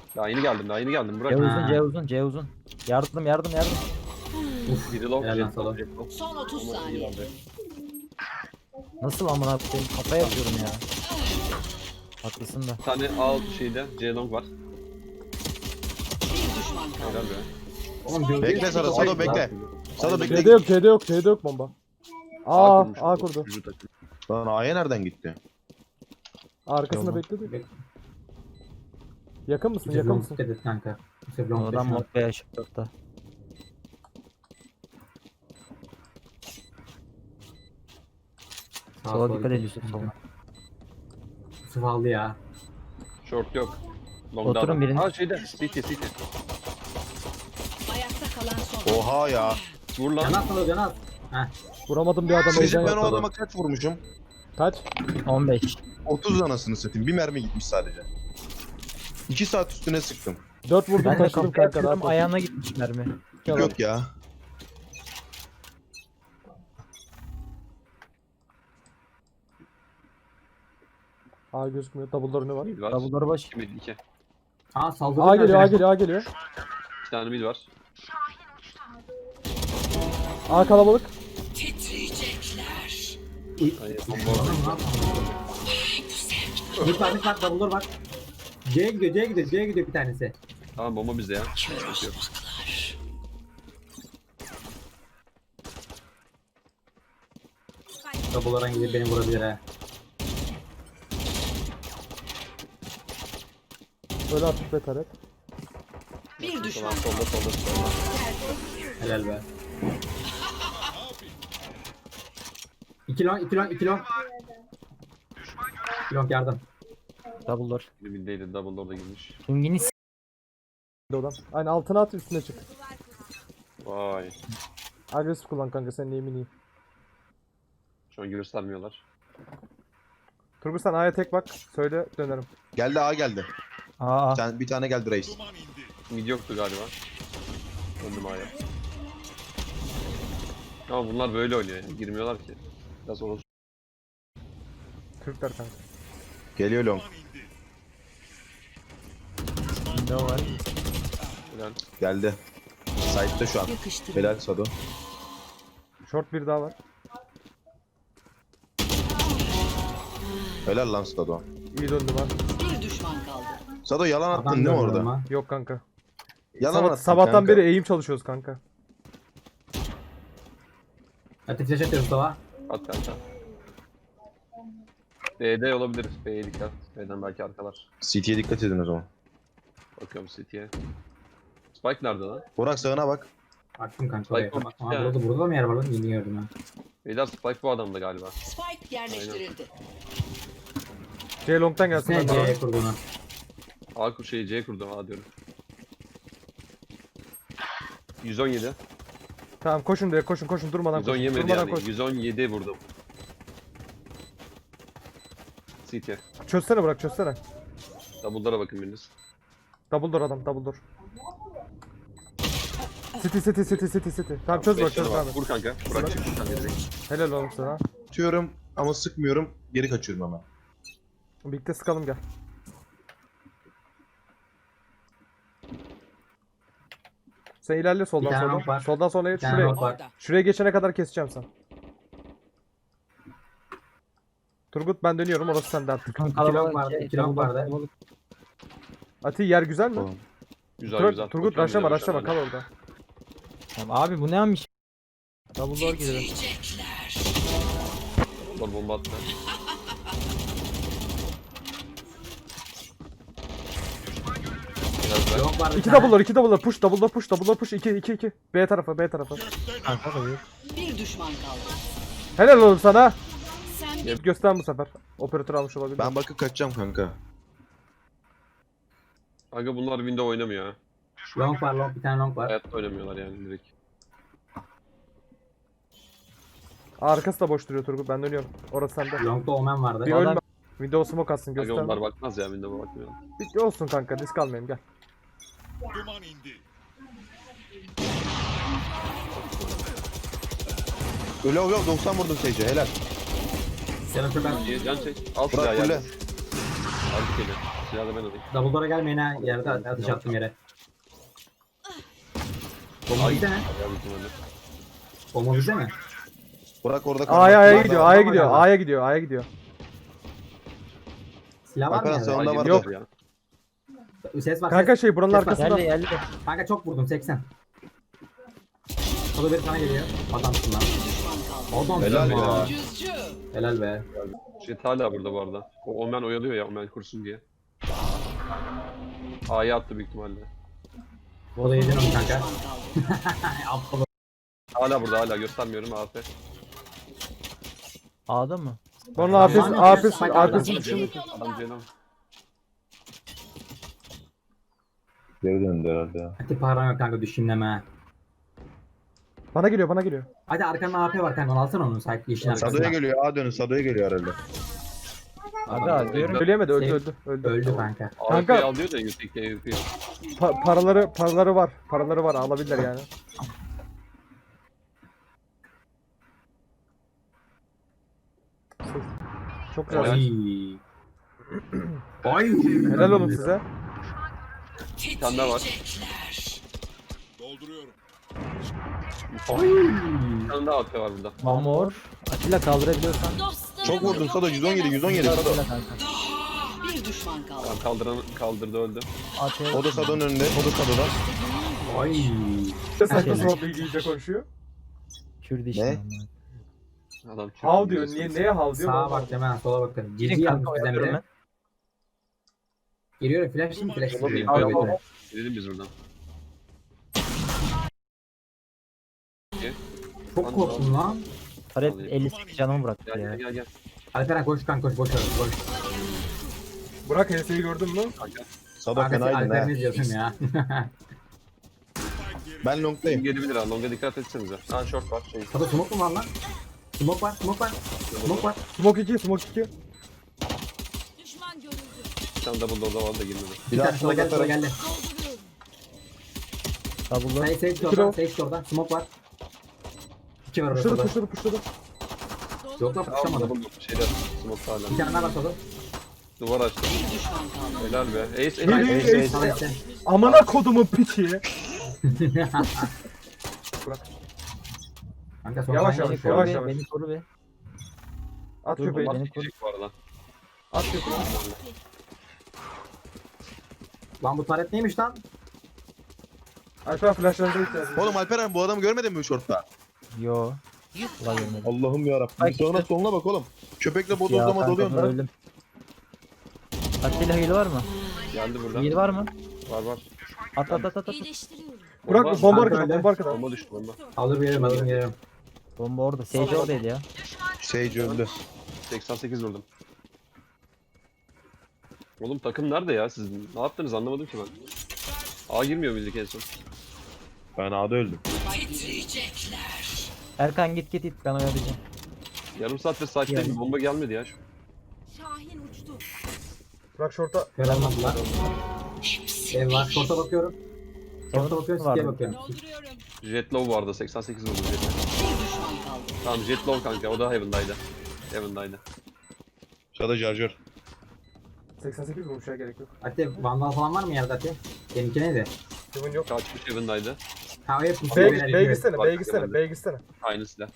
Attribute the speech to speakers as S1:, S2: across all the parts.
S1: Daha yeni geldim, daha yeni geldim. Bırak.
S2: C uzun,
S3: Ha.
S2: C uzun, C uzun. Yardım.
S1: Biri long,
S3: Helal lan
S1: jet
S3: sana.
S1: long, jet long.
S4: Son 30
S1: Ama iyi
S4: saniye.
S1: bence.
S2: Nasıl amına koyayım? Kafaya atıyorum ya. Haklısın da.
S1: Bir tane A şeyde C long var.
S4: Bir düşman kaldı.
S1: Helal be.
S3: Oğlum gölge
S5: Bekle Sado, Sado bekle. Sado bekle.
S6: C'de yok, C'de yok, C'de yok bomba. Aa,
S1: kurmuş
S6: A
S1: bu,
S6: kurdu.
S1: üçüncü takım.
S5: Lan A'ya nereden gitti?
S6: Arkasında
S2: Tamam.
S6: bekledi. Yakın mısın?
S3: Yusuf
S6: Yakın
S3: long
S6: mısın?
S3: dikkat et kanka. Yusuf long
S2: Adam
S3: dikkat et.
S2: mod veya şıklıkta. Sola dikkat et Yusuf sola.
S3: Yusuf aldı ya.
S1: Short yok. Long'da
S2: Oturun
S1: adam.
S2: birini.
S1: Ha şeyde, city.
S4: Ayakta kalan son.
S5: Oha ya.
S1: Vur lan.
S3: Can at can at. Heh.
S6: Vuramadım bir adam
S5: Sizce
S6: heyecan
S5: ben o
S6: yaptı.
S5: adama kaç vurmuşum?
S6: Kaç?
S2: 15.
S5: 30 anasını satayım. Bir mermi gitmiş sadece. 2 saat üstüne sıktım.
S6: 4 vurdum
S2: Ben de
S6: taşıdım
S2: kafaya
S6: kanka.
S2: atıyorum,
S6: Rahat ol.
S2: ayağına gitmiş mermi.
S5: Yok ya.
S6: A gözükmüyor. Double door ne var?
S1: Mid var.
S2: Double'ları baş.
S1: 2 mid, 2.
S3: Aa saldırı.
S6: A geliyor, A geliyor, A geliyor.
S1: 2 tane mid var.
S6: A kalabalık.
S4: Titriyecekler.
S1: Hayır, bomba orada.
S3: Bir tane double bak. C'ye gidiyor, C'ye gidiyor, C'ye gidiyor bir tanesi.
S1: Tamam bomba bizde ya. Sıkıntı yok.
S3: Double'lara gidip beni vurabilir ha.
S6: Böyle artık be taret.
S4: Bir düşman
S1: Tamam solda.
S3: Helal be. 2 long, 2 long, 2 long. 2 long yardım.
S2: Double'lar.
S1: Biri middeydi, double orada girmiş.
S2: King'ini
S6: Oradan. Aynen altına at üstüne çık.
S1: Vay.
S6: Agresif kullan kanka senin emin iyi.
S1: Şu an göstermiyorlar.
S6: Turgut sen A'ya tek bak. Söyle dönerim.
S5: Geldi A geldi.
S2: Aa.
S5: Bir tane geldi reis.
S1: Mid yoktu galiba. Döndüm A'ya. Ama bunlar böyle oynuyor ya. Girmiyorlar ki. Biraz olur.
S6: Türkler kanka.
S5: Geliyor long.
S2: Ne var?
S1: Helal.
S5: Geldi. Side'de şu an.
S4: yakıştırın.
S5: Helal Sado.
S6: Short bir daha var.
S5: Helal lan Sado.
S6: İyi döndü var.
S4: Bir düşman kaldı.
S5: Sado yalan attın
S3: Adam
S5: değil mi
S3: dönüyor
S5: orada?
S3: ama.
S6: Yok kanka.
S5: Yalan attın
S6: Sabahtan
S5: kanka.
S6: beri eğim çalışıyoruz kanka.
S3: Hadi flash atıyoruz Mustafa.
S1: At kanka. B'de olabilir. B'ye dikkat. B'den belki arkalar.
S5: CT'ye dikkat edin o zaman.
S1: Bakıyorum City'ye. Spike nerede lan?
S5: Burak sağına bak.
S3: Baktım kanka
S1: Spike
S3: oraya.
S1: bomb
S3: Aa,
S1: ya.
S3: burada da mı yer var lan? Yeni gördüm ha.
S1: Beyler Spike bu adamda galiba.
S4: Spike yerleştirildi.
S6: C long'tan gelsin.
S3: Ne
S6: ben de.
S3: C'ye kurduğunu.
S1: A şey C kurdum A diyorum. 117.
S6: Tamam koşun direkt koşun durmadan koşun.
S1: 117
S6: Durmadan
S1: yani.
S6: koş.
S1: 117 vurdum. City.
S6: Çözsene bırak çözsene.
S1: Double'lara bakın biriniz.
S6: Double door adam double door. City. Tamam çöz bırak
S1: Beş canı
S6: çöz
S1: var.
S6: abi.
S1: Vur kanka. Burak çık kanka direkt.
S6: Helal oğlum sana.
S5: Atıyorum ama sıkmıyorum. Geri kaçıyorum hemen.
S6: Birlikte sıkalım gel. Sen ilerle
S3: Bir
S6: soldan
S3: tane
S6: soldan.
S3: nok var.
S6: Soldan sonra
S3: Bir tane
S6: şuraya.
S3: nok var.
S4: Orada.
S6: Şuraya geçene kadar keseceğim sen. Turgut ben dönüyorum orası sende artık.
S3: İki long vardı, iki long vardı.
S6: Ati yer güzel mi?
S5: Tamam.
S1: Güzel.
S6: Turgut
S1: Bakıyorum
S6: raşlama
S1: bir de
S6: kal orada.
S2: Tamam, abi bu neymiş? Double door gidelim.
S4: Titriyecekler.
S1: Double bomba attı. Biraz bırak.
S3: Long vardı. bir
S6: İki
S3: tane.
S6: double door push double door push 2 B tarafı.
S2: Kanka da yok.
S4: Bir düşman kaldı.
S6: Helal oğlum sana.
S4: Sen
S6: Göster bu sefer. Operatör almış olabilir.
S5: Ben bakıp kaçacağım kanka.
S1: Kanka bunlar window oynamıyor ha.
S3: Long var, long bir tane long var.
S1: Hayatta oynamıyorlar yani direkt.
S6: Arkası da boş duruyor Turgut ben dönüyorum. Orası sende.
S3: Long'da Omen vardı.
S6: Bir ölme. Windows smoke atsın
S1: Kanka
S6: göster.
S1: onlar bakmaz ya window'a bakmıyor.
S6: Bir olsun kanka risk almayayım gel.
S5: Öyle yok 90 vurdum Sage'e helal.
S3: Sen öpür ben.
S1: Can çek. Al
S5: Burak
S1: silahı
S5: fulle.
S1: yani. Al bir kere. Silahı da ben alayım.
S3: Double door'a gelmeyin ha. Yerde atış attım yere. Bomba bize mi?
S1: Ya büyük ihtimalle.
S3: Bomba bize mi?
S5: Burak orada
S6: A'ya
S3: Var,
S6: gidiyor,
S3: var,
S6: A'ya
S3: var
S6: gidiyor,
S3: galiba.
S6: A'ya gidiyor, A'ya gidiyor.
S3: Silah var mı
S5: Hakan
S3: yerde?
S5: sen- Onda
S1: Ay,
S5: var
S1: yok
S5: da.
S1: ya.
S3: Ses var.
S6: Kanka
S3: ses.
S6: şey buranın
S3: Ses var.
S6: arkasında.
S2: Geldi.
S3: Kanka çok vurdum 80. O da bir sana geliyor. Adamsın lan. Adamsın
S5: Helal
S3: lan.
S5: ya.
S4: Cüzcü.
S3: Helal be.
S1: Jet hala burada bu arada. O Omen oyalıyor ya, Omen kursun diye. A'ya attı büyük ihtimalle.
S3: O da yedin onu kanka.
S4: Düşman kaldı.
S3: Aptal.
S1: Hala burada, hala göstermiyorum AF.
S2: A'da mı?
S6: Onun AP'si,
S3: Tamam.
S6: AP'si,
S3: Tamam.
S6: AP'si
S1: Adam
S6: dışında.
S1: canım.
S5: Geri döndü herhalde ya.
S3: Hadi param yok kanka düşünleme.
S6: Bana geliyor, bana geliyor.
S3: Hadi arkanda AP var kanka onu alsana onu sanki işin
S5: Sado'ya
S3: arkasına.
S5: geliyor. A dönün. Sado'ya geliyor herhalde.
S2: Aga diyorum.
S6: Söyleyemedi, öldü,
S3: Şey-
S6: öldü, öldü.
S3: Öldü kanka.
S6: Kanka-
S1: AF'yi alıyor da yüksek yapıyor.
S6: Paraları var, paraları var, alabilirler yani. Çok güzel.
S3: Ay. Ay.
S6: Helal olun size.
S1: Bir tane daha var.
S3: Ay.
S1: Bir tane daha AF var burada.
S2: Mamor. Atilla kaldırabiliyorsan.
S5: Çok vurdun Sado. 117, 117 Sado.
S2: Atilla kanka.
S4: Bir düşman kaldı.
S1: Tamam, kaldırdı öldü.
S2: AT.
S5: O da Sado'nun önünde. O da Sado'da.
S3: Ay.
S6: Saçma
S2: Şeyler.
S6: sapan bilgi iyice konuşuyor.
S2: Kürdü
S5: Ne?
S2: işte.
S1: Adam
S6: Hav diyor, neye hav diyor?
S3: Sağa bak hemen sola bakın. Cici
S2: Gidin
S3: yazmış
S2: kanka
S3: bizden
S2: oyalıyorum
S3: biri.
S2: ben.
S3: Geliyorum flash değil mi? Flash
S1: Tamam,
S3: değil.
S1: tamam,
S3: Tabii,
S1: tamam.
S3: tabii.
S1: Gidelim biz buradan.
S3: Çok korktum lan.
S2: Taret 58 canımı bıraktı
S1: Gel
S2: ya.
S1: gel gel gel.
S3: Alperen koş kanka koş boş ver koş.
S6: Burak HS'yi gördün mü?
S1: Kanka.
S5: Sado
S3: Kanka
S5: fenaydın
S3: Alperen
S5: ha.
S3: ne diyorsun ya?
S5: Ben
S1: Kim
S5: long'dayım.
S1: gelebilir ha? Longa dikkat etsenize. Ha short var. Şey.
S3: Tabii smoke mu var lan? Smoke var smoke var. Smoke var.
S6: Smoke 2, Smoke 2.
S1: Bir tane double door'da var da girmedi.
S5: Bir
S3: Bir
S5: daha
S3: tane sola geldi sola geldi.
S2: Double'da.
S3: Hayır sage de
S6: İki
S3: orada.
S6: row.
S3: Sage de orada. Smoke var. İki var
S6: Puşladı,
S3: orada.
S6: puşladı, puşladı.
S3: Yok yok
S1: Tamam
S3: kuşamadım.
S1: double door. Şeyde smoke hala.
S3: Bir tane daha var solda.
S1: Duvar açtı.
S4: Bir düşman kaldı.
S1: Helal be. Ace
S6: İyi,
S1: ace.
S6: iyi,
S5: Ace,
S6: iyi.
S5: ace.
S3: Sana işte.
S6: Amına kodumun piçi.
S3: Kanka son
S6: Yavaş,
S3: saniye
S6: yavaş,
S3: şu
S6: yavaş,
S3: an.
S6: yavaş.
S2: Beni koru be.
S6: At
S2: Dur,
S6: köpeği.
S2: bak.
S1: Bak gidecek bu arada.
S6: At köpeği.
S3: Lan bu taret neymiş lan?
S6: Alper flashlarınıza ihtiyacım var.
S5: Oğlum Alperen bu adamı görmedin mi short'ta?
S2: Yo. Ulan görmedim.
S5: Allah'ım yarabbim.
S2: Bak
S5: Sonra
S2: işte.
S5: soluna bak oğlum. Köpekle
S2: Ya
S5: bodozlama
S2: kanka
S5: doluyorsun lan.
S2: öldüm. Atilla heal var mı?
S1: Geldi burada.
S2: Heal var mı?
S1: Var var.
S2: At at at at.
S6: Burak
S1: Bomba-
S6: bomba
S3: Kanka
S6: arkada,
S3: öyle.
S6: bomba arkada.
S1: Bomba düştü bomba.
S3: Alır gelirim alır gelirim.
S2: Bomba orada. Sage oradaydı ya.
S5: Sage öldü.
S1: 88 vurdum. Oğlum takım nerede ya? Siz ne yaptınız anlamadım ki ben. A girmiyor bildik en son.
S5: Ben A'da öldüm.
S4: Titriyecekler.
S2: Erkan git git git ben oyalayacağım.
S1: Yarım saattir site'deyim. Bomba gelmedi ya.
S6: Burak short'a.
S3: Kör almadılar. Ev var. Short'a bakıyorum. Short'a bakıyorum.
S2: Var
S3: City'ye
S2: mı?
S3: bakıyorum.
S1: Jet low vardı 88 vurdum Jet'e.
S4: Bir düşman kaldı.
S1: Tamam Jet low kanka o da Heaven'daydı. Heaven'daydı.
S5: Şurada charger.
S6: 88 vurmuşa gerek yok.
S3: Ati vandal falan var mı yerde Ati? Seninki neydi?
S6: Kimin yok.
S1: Kaçmış Heaven'daydı.
S3: Ha o hep pusuya
S6: B'ye
S3: verelim.
S6: gitsene,
S1: Bak,
S6: B'ye gitsene,
S1: geldi.
S6: B'ye gitsene.
S1: Aynı silah.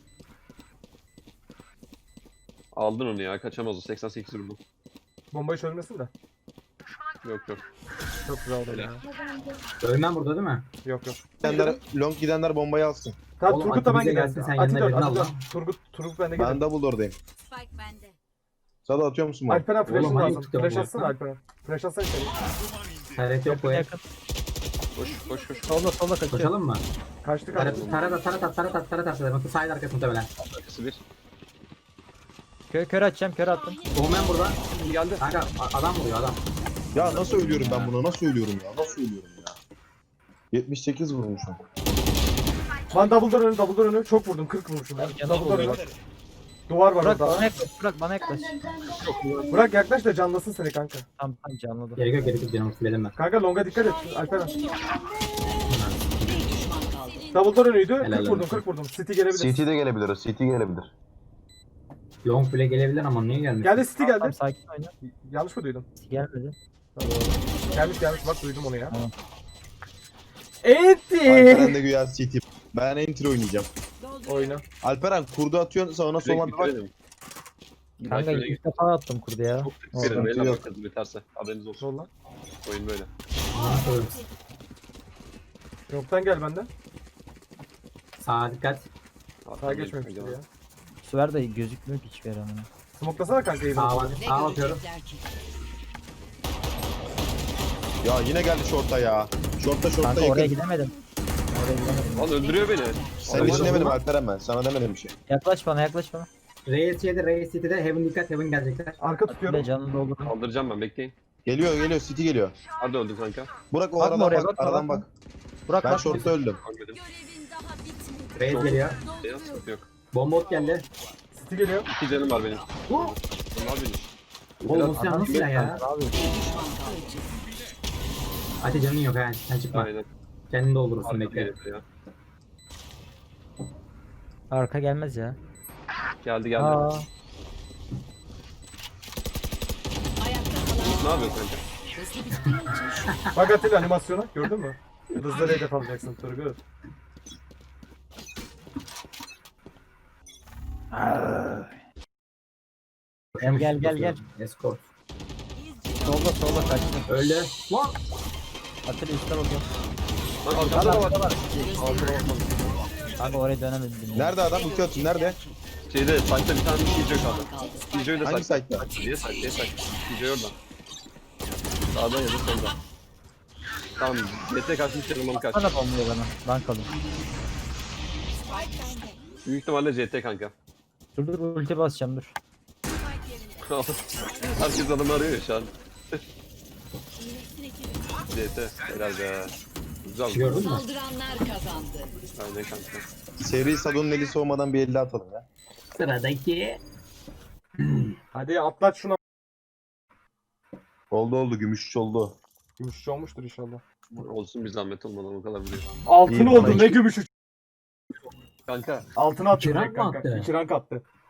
S1: Aldın onu ya kaçamaz o 88 vurdum.
S6: Bombayı çözmesin de.
S1: Yok yok.
S6: Çok güzel oldu ya.
S3: Ölmem burada değil mi?
S6: Yok yok.
S5: Long gidenler bombayı alsın.
S6: Tamam
S3: Oğlum,
S6: Turgut da ben
S3: Ati bize
S6: gidelim.
S3: gelsin, sen
S6: Ati
S3: yanına
S6: dön,
S3: birini
S6: Ati
S3: al
S6: dön.
S3: lan.
S6: Turgut ben de
S5: Ben
S6: gidelim.
S5: Doubledoor'dayım.
S4: Spike bende.
S5: Sado atıyor musun bunu?
S6: Alperen flash'ın
S3: Oğlum,
S6: lazım.
S3: ayıp tutuyorum
S6: Flash
S3: bu
S6: atsana
S3: arada.
S6: Alperen. Flash atsana içeri.
S3: Taret yok bu ev.
S2: Yakın.
S1: Koş koş koş.
S2: Solda solda kaçıyor.
S3: Koşalım mı?
S6: Kaçtık
S3: Taret
S6: abi.
S3: at. Bakın sahil arkası muhtemelen.
S1: Arkası bir.
S2: Kör atacağım kör attım.
S3: Omen burada.
S1: Geldi.
S3: Kanka adam vuruyor adam.
S5: Ya nasıl ölüyorum ben buna? Nasıl ölüyorum ya? Nasıl ölüyorum ya? 78 vurmuşum.
S6: Lan double door önü. Çok vurdum. 40 vurmuşum. Ben.
S2: Canı
S6: Double door önü.
S2: vuruyor.
S6: Duvar var
S2: Bırak
S6: orada.
S2: bana yaklaş. Bırak bana yaklaş.
S6: Bırak yaklaş da canlasın seni kanka.
S2: Tamam tamam canladım.
S3: Gerek yok canım fulledim ben.
S6: Kanka longa dikkat et Alperen.
S4: Bir düşman kaldı.
S6: Double door önüydü.
S3: Helal
S6: 40 vurdum
S3: olsun.
S6: 40 vurdum. City gelebilir.
S5: CT de gelebilir. CT gelebilir.
S3: Long bile gelebilir ama niye gelmiyor?
S6: Geldi City
S2: Tamam,
S6: geldi.
S2: sakin oyna.
S6: Yanlış mı duydum?
S2: Gelmedi.
S6: Gelmiş bak duydum onu ya.
S2: Tamam.
S6: Enti.
S5: Alperen de güya CT. Ben entry oynayacağım.
S6: Oyna.
S5: Alperen kurdu atıyorsun sonra sola bir bak.
S1: Bitirelim.
S2: Kanka
S1: Belki
S2: ilk defa attım kurdu ya.
S1: çok
S2: Orada.
S1: bitirelim. Beyler
S5: Yok.
S1: bakarız biterse. Haberiniz olsun.
S6: Sol lan.
S1: Oyun böyle.
S6: Yoktan gel benden.
S3: Sağa dikkat.
S6: Sağa geçmemiştir ya.
S2: Bu sefer de gözükmüyor ki hiçbir yerim.
S6: Smoklasana kanka iyi
S3: Sağa
S6: bak.
S3: bak.
S4: Ne
S3: Sağa bakıyorum.
S4: görecekler ki?
S5: Ya yine geldi şorta ya. Şorta
S2: Kanka oraya
S5: yakın.
S2: gidemedim. Oraya gidemedim.
S1: Lan öldürüyor beni.
S5: Senin için demedim Alperen ben. Sana demedim bir şey.
S2: Yaklaş bana yaklaş bana.
S3: Reis City'de Heaven dikkat. Heaven gelecekler.
S6: Arka
S2: Ve
S6: tutuyorum.
S2: canını doldurun.
S1: Kaldıracağım ben bekleyin.
S5: Geliyor City geliyor.
S1: Hadi öldüm kanka.
S5: Burak o
S2: Bakma
S5: aradan
S2: oraya,
S5: bak.
S2: bakma,
S5: Aradan
S2: bakma.
S5: bak.
S2: Bırak
S5: Ben
S2: bak.
S5: şortta öldüm.
S1: Ölmedim.
S4: Görevin daha bitmedi.
S3: Reis geliyor.
S1: Ya sıkıntı yok.
S3: Bomba ot geldi.
S6: City geliyor.
S1: 2 canım var benim. Bunlar benim.
S3: Oğlum bu silah nasıl silah ya?
S2: Abi
S4: Düşman kaldı.
S3: Ati canın yok ha. Sen çıkma.
S1: Aynen.
S3: Kendini doldurursun
S1: Arka
S3: bekle.
S1: geliyor ya.
S2: arka gelmez ya.
S1: Geldi geldi.
S2: Aa,
S4: Ayakta
S1: Ne
S4: kalan
S1: yapıyorsun kanka?
S4: hızlı bittiği için şu
S6: Bak Atilla animasyona gördün mü? Hızlı hedef alacaksın Turgut.
S2: gel.
S3: Escort.
S2: Solda kaçtı.
S3: Öldü. Lan.
S2: Atilla üstte bakıyorum.
S1: Lan arkamda da var.
S2: Arkada var.
S1: Arkada bakmadım.
S2: Kanka oraya dönemedim.
S5: Nerede adam? Ulti atın. Nerede?
S1: Şeyde site'da bir tane TJ kaldı. TJ'yi de
S5: Hangi
S1: site'da.
S5: site'da?
S1: Niye site? Niye site? TJ oradan. Sağdan ya da soldan. Tamam. GT kaçmış yanılmamı kaç.
S2: Bana bomluyor bana. Bank alın.
S1: Büyük ihtimalle GT kanka.
S2: Dur ulti basacağım dur.
S1: Herkes adamı arıyor ya şu an. GT. Helal be. Güzel.
S3: Gördün mü?
S4: saldıranlar kazandı.
S1: Aynen kanka.
S5: Seri Sadon'un eli soğumadan bir 50 atalım ya.
S3: Sıradaki.
S6: Hadi atlat şuna.
S5: Oldu gümüş oldu.
S6: Gümüşçü olmuştur inşallah.
S1: Olsun bir zahmet olmadan o kadar biliyor.
S6: Altın
S5: İyi,
S6: oldu
S5: bana
S6: ne
S5: iki-
S6: gümüşü.
S1: Kanka
S6: Altına attı
S3: İki rank
S6: direkt
S3: mı
S6: kanka.
S3: attı?
S6: 2 rank attı.